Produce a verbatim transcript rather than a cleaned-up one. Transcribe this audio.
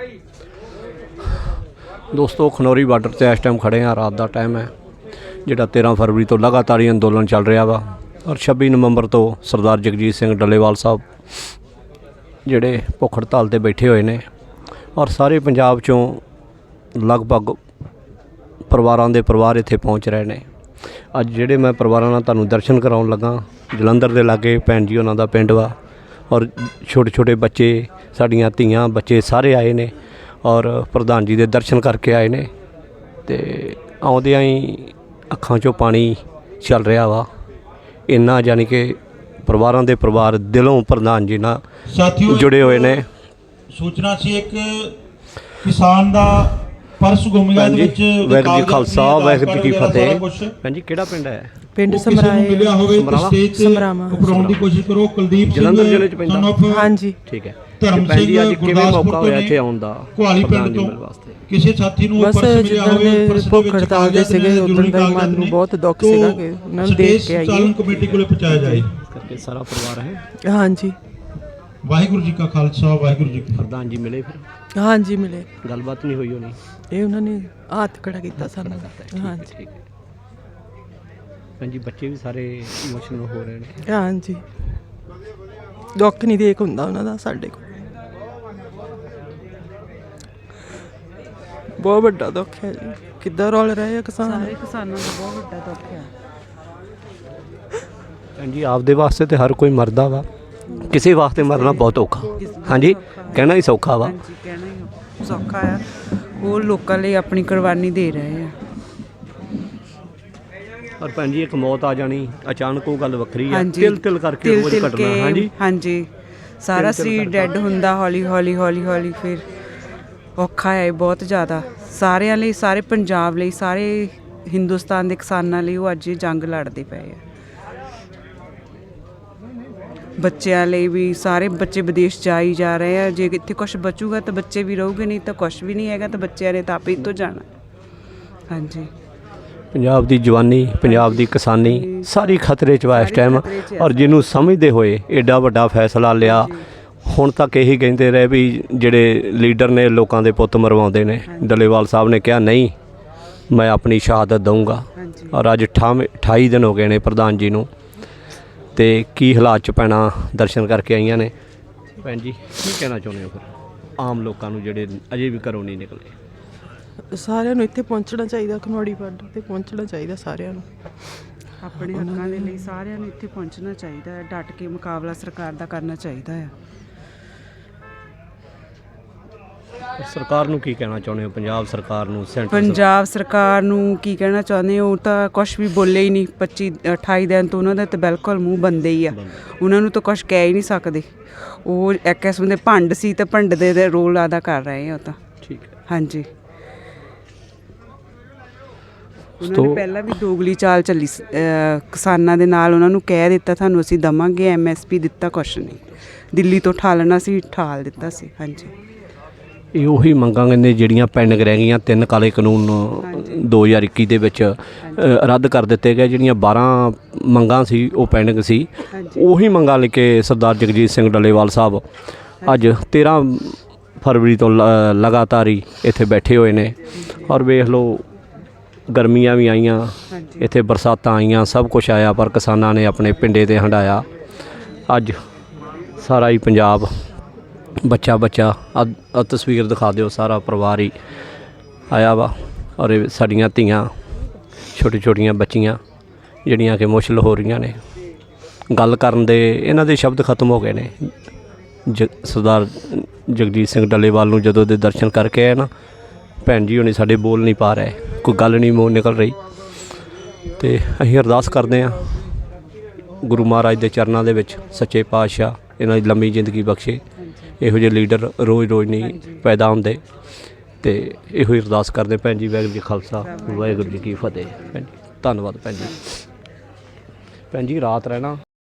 दोस्तों खनौरी बार्डर से इस टाइम खड़े हैं। रात का टाइम है जिहड़ा तेरह फरवरी तो लगातार ही अंदोलन चल रहा वा और छब्बी नवंबर तो सरदार जगजीत सिंह डल्लेवाल साहब जिहड़े भुख हड़ताल ते बैठे हुए ने और सारे पंजाब चों लगभग परिवारां दे परिवार इत्थे पहुँच रहे हैं। अज जिहड़े मैं परिवारां नाल तुहानूं दर्शन कराउण लगा जलंधर दे लागे भैन जी उन्हां दा पिंड वा और छोटे छोटे बच्चे साड़ियां धीआं बच्चे सारे आए ने और प्रधान जी दे दर्शन करके आए ने ते आउंदियां ही अखां चों पानी चल रहा वा इन्ना यानी कि परिवारां दे परिवार दिलों प्रधान जी नाल जुड़े हुए ने। सूचना सी एक किसान दा परस गुम गया दे विच वाहिगुरू जी खालसा वाहिगुरू जी की फतेह। भैन जी किहड़ा पिंड है? पिंड समराए मिलिया होवे ते स्टेज ते उपराउण दी कोशिश करो। कुलदीप सिंह जलंधर जिले च पैंदा। हाँ जी ठीक है। धर्म भैन जी सिंह अज किवें मौका होया इत्थे आउण दा कुहाली पिंड तो किसी साथी नूं बस परस मिलिया जिद्दां होवे दे परस भुख हड़ताल दे सीगे उदन दा मन नूं बहुत दुख सीगा कि उन्हां नूं देख के आईए कमेटी कोले पहुंचाया जाए करके सारा परिवार है। हाँ जी वाहिगुरू जी का खालसा वाहिगुरू जी की प्रधान जी मिले फिर हाँ जी मिले गलबात नहीं हुई होनी ये उन्होंने हाथ खड़ा किया सानू। हाँ जी ठीक है। भैन जी बच्चे भी सारे इमोशनल हो रहे हैं। हाँ जी दुख नहीं देख हुंदा उन्हां दा साडे कोल बहुत बड़ा दुख है जी। किद्दां रोल रहे किसान सारे किसानों का बहुत बड़ा दुख है। भैन जी आपदे वास्ते तो हर कोई मरदा वा किसी वास्ते मरना बहुत औखा। हाँ जी कहना ही सौखा वा। ਹਾਂਜੀ ਕਹਿਣਾ ਹੀ ਸੌਖਾ ਆ ਉਹ ਲੋਕਾਂ ਲਈ ਆਪਣੀ ਕੁਰਬਾਨੀ ਦੇ ਰਹੇ ਆ। और भैन जी एक मौत आ जानी अचानक वो गल वक्री है ਹਾਂਜੀ तिल तिल करके ਤਿਲ रोज ਤਿਲ कटना। ਕੇ हाँ जी ਹਾਂਜੀ ਸਾਰਾ ਸਰੀਰ ਡੈਡ ਹੁੰਦਾ ਹੌਲੀ ਹੌਲੀ ਹੌਲੀ ਹੌਲੀ ਫਿਰ ਔਖਾ ਹੈ ਬਹੁਤ ਜ਼ਿਆਦਾ ਸਾਰਿਆਂ ਲਈ ਸਾਰੇ ਪੰਜਾਬ ਲਈ ਸਾਰੇ ਹਿੰਦੁਸਤਾਨ ਦੇ ਕਿਸਾਨਾਂ ਲਈ ਉਹ ਅੱਜ ਇਹ ਜੰਗ ਲੜਦੇ ਪਏ ਆ। ਬੱਚਿਆਂ ਲਈ ਵੀ ਸਾਰੇ ਬੱਚੇ ਵਿਦੇਸ਼ ਜਾ ਹੀ ਜਾ ਰਹੇ ਆ। ਜੇ ਇੱਥੇ ਕੁਛ ਬਚੂਗਾ ਤਾਂ ਬੱਚੇ ਵੀ ਰਹੂਗੇ ਨਹੀਂ ਤਾਂ ਕੁਛ ਵੀ ਨਹੀਂ ਹੈਗਾ ਤਾਂ ਬੱਚਿਆਂ ਨੇ ਤਾਂ ਆਪੇ ਇੱਥੋਂ ਜਾਣਾ। ਹਾਂਜੀ पंजाब की जवानी पंजाब की किसानी सारी खतरे च वा इस टाइम और जिन्हों समझते हुए एडा वड्डा फैसला लिया हुण तक यही कहते रहे भी जिहड़े लीडर ने लोगों के पुत मरवाउंदे ने डल्लेवाल साहब ने कहा नहीं मैं अपनी शहादत दूँगा और अज अठावी अठाई दिन हो गए ने प्रधान जी नूं ते की हालात च भैणां दर्शन करके आईयां ने। भैन जी की कहना चाहुंदे हो फिर आम लोगों नूं जिहड़े अजे भी घरों नहीं निकले? ਸਾਰਿਆਂ ਨੂੰ ਇੱਥੇ ਪਹੁੰਚਣਾ ਚਾਹੀਦਾ ਖਨੌਰੀ ਬਾਰਡਰ ਤੇ ਪਹੁੰਚਣਾ ਚਾਹੀਦਾ ਸਾਰਿਆਂ ਨੂੰ ਆਪਣੇ ਹੱਕਾਂ ਦੇ ਲਈ ਸਾਰਿਆਂ ਨੂੰ ਇੱਥੇ ਪਹੁੰਚਣਾ ਚਾਹੀਦਾ ਹੈ। ਡਟ ਕੇ ਮੁਕਾਬਲਾ ਸਰਕਾਰ ਦਾ ਕਰਨਾ ਚਾਹੀਦਾ ਹੈ। सरकार नूं की कहना चाहुंदे हो? पंजाब सरकार नूं सेंटर ਪੰਜਾਬ ਸਰਕਾਰ ਨੂੰ ਕੀ ਕਹਿਣਾ ਚਾਹੁੰਦੇ ਹੋ? ਉਹ ਤਾਂ ਕੁਛ ਵੀ ਬੋਲੇ ਹੀ ਨਹੀਂ। ਪੱਚੀ ਅਠਾਈ ਦਿਨ ਤੋਂ ਉਹਨਾਂ ਦਾ ਤਾਂ ਬਿਲਕੁਲ ਮੂੰਹ ਬੰਦੇ ਹੀ ਆ। ਉਹਨਾਂ ਨੂੰ ਤਾਂ ਕੁਛ ਕਹਿ ਹੀ ਨਹੀਂ ਸਕਦੇ। ਉਹ ਇੱਕ ਕਿਸਮ ਦੇ ਭੰਡ ਸੀ ਤੇ ਭੰਡ ਦੇ ਦੇ ਰੋਲ ਅਦਾ ਕਰ ਰਹੇ ਆ ਉਹ ਤਾਂ। ठीक है। ਹਾਂਜੀ ਉਹਨਾਂ ਨੇ ਪਹਿਲਾਂ ਵੀ ਦੋਗਲੀ ਚਾਲ ਚੱਲੀ ਸ- ਅਹ ਕਿਸਾਨਾਂ ਦੇ ਨਾਲ। ਉਹਨਾਂ ਨੂੰ ਕਹਿ ਦਿੱਤਾ ਤੁਹਾਨੂੰ ਅਸੀਂ ਦੇਵਾਂਗੇ ਐਮ ਐਸ ਪੀ ਦਿੱਤਾ ਕੁਛ ਨਹੀਂ। ਦਿੱਲੀ ਤੋਂ ਠਾਲਣਾ ਸੀ ਠਾਲ ਦਿੱਤਾ ਸੀ। ਹਾਂਜੀ ਇਹ ਉਹੀ ਮੰਗਾਂ ਨੇ ਜਿਹੜੀਆਂ ਪੈਂਡਿੰਗ ਰਹਿ ਗਈਆਂ। ਤਿੰਨ ਕਾਲੇ ਕਾਨੂੰਨ ਦੋ ਹਜ਼ਾਰ ਇੱਕੀ ਦੇ ਵਿੱਚ ਅ, ਰੱਦ ਕਰ ਦਿੱਤੇ ਗਏ। ਜਿਹੜੀਆਂ ਬਾਰਾਂ ਮੰਗਾਂ ਸੀ ਉਹ ਪੈਂਡਿੰਗ ਸੀ। ਉਹੀ ਮੰਗਾਂ ਲੈ ਕੇ ਸਰਦਾਰ ਜਗਜੀਤ ਸਿੰਘ ਡੱਲੇਵਾਲ ਸਾਹਿਬ ਅੱਜ ਤੇਰ੍ਹਾਂ ਫਰਵਰੀ ਤੋਂ ਲ- ਲਗਾਤਾਰ ਹੀ ਇੱਥੇ ਬੈਠੇ ਹੋਏ ਨੇ ਔਰ ਵੇਖ ਲਓ ਗਰਮੀਆਂ ਵੀ ਆਈਆਂ ਇੱਥੇ ਬਰਸਾਤਾਂ ਆਈਆਂ ਸਭ ਕੁਛ ਆਇਆ ਪਰ ਕਿਸਾਨਾਂ ਨੇ ਆਪਣੇ ਪਿੰਡੇ 'ਤੇ ਹੰਢਾਇਆ। ਅੱਜ ਸਾਰਾ ਹੀ ਪੰਜਾਬ ਬੱਚਾ ਬੱਚਾ ਆ ਤਸਵੀਰ ਦਿਖਾ ਦਿਓ ਸਾਰਾ ਪਰਿਵਾਰ ਹੀ ਆਇਆ ਵਾ ਔਰ ਇਹ ਸਾਡੀਆਂ ਧੀਆਂ ਛੋਟੀ ਛੋਟੀਆਂ ਬੱਚੀਆਂ ਜਿਹੜੀਆਂ ਕਿ ਮੁਸ਼ਕਿਲ ਹੋ ਰਹੀਆਂ ਨੇ ਗੱਲ ਕਰਨ ਦੇ ਇਹਨਾਂ ਦੇ ਸ਼ਬਦ ਖਤਮ ਹੋ ਗਏ ਨੇ। ਜ ਸਰਦਾਰ ਜਗਜੀਤ ਸਿੰਘ ਡੱਲੇਵਾਲ ਨੂੰ ਜਦੋਂ ਦੇ ਦਰਸ਼ਨ ਕਰਕੇ ਆਏ ਨਾ ਭੈਣ ਜੀ ਹੁਣੀ ਸਾਡੇ ਬੋਲ ਨਹੀਂ ਪਾ ਰਹੇ ਕੋਈ ਗੱਲ ਨਹੀਂ ਮੂੰਹ ਨਿਕਲ ਰਹੀ ਤੇ ਅਸੀਂ ਅਰਦਾਸ ਕਰਦੇ ਹਾਂ ਗੁਰੂ ਮਹਾਰਾਜ ਦੇ ਚਰਨਾਂ ਦੇ ਵਿੱਚ ਸੱਚੇ ਪਾਤਸ਼ਾਹ ਇਹਨਾਂ ਦੀ ਲੰਮੀ ਜ਼ਿੰਦਗੀ ਬਖਸ਼ੇ। ਇਹੋ ਜਿਹੇ ਲੀਡਰ ਰੋਜ਼ ਰੋਜ਼ ਨਹੀਂ ਪੈਦਾ ਹੁੰਦੇ ਤੇ ਇਹੋ ਹੀ ਅਰਦਾਸ ਕਰਦੇ ਭੈਣ ਜੀ। ਵਾਹਿਗੁਰੂ ਜੀ ਖਾਲਸਾ ਵਾਹਿਗੁਰੂ ਜੀ ਕੀ ਫਤਿਹ। ਭੈਣ ਜੀ ਧੰਨਵਾਦ। ਭੈਣ ਜੀ ਭੈਣ ਜੀ ਰਾਤ ਰਹਿਣਾ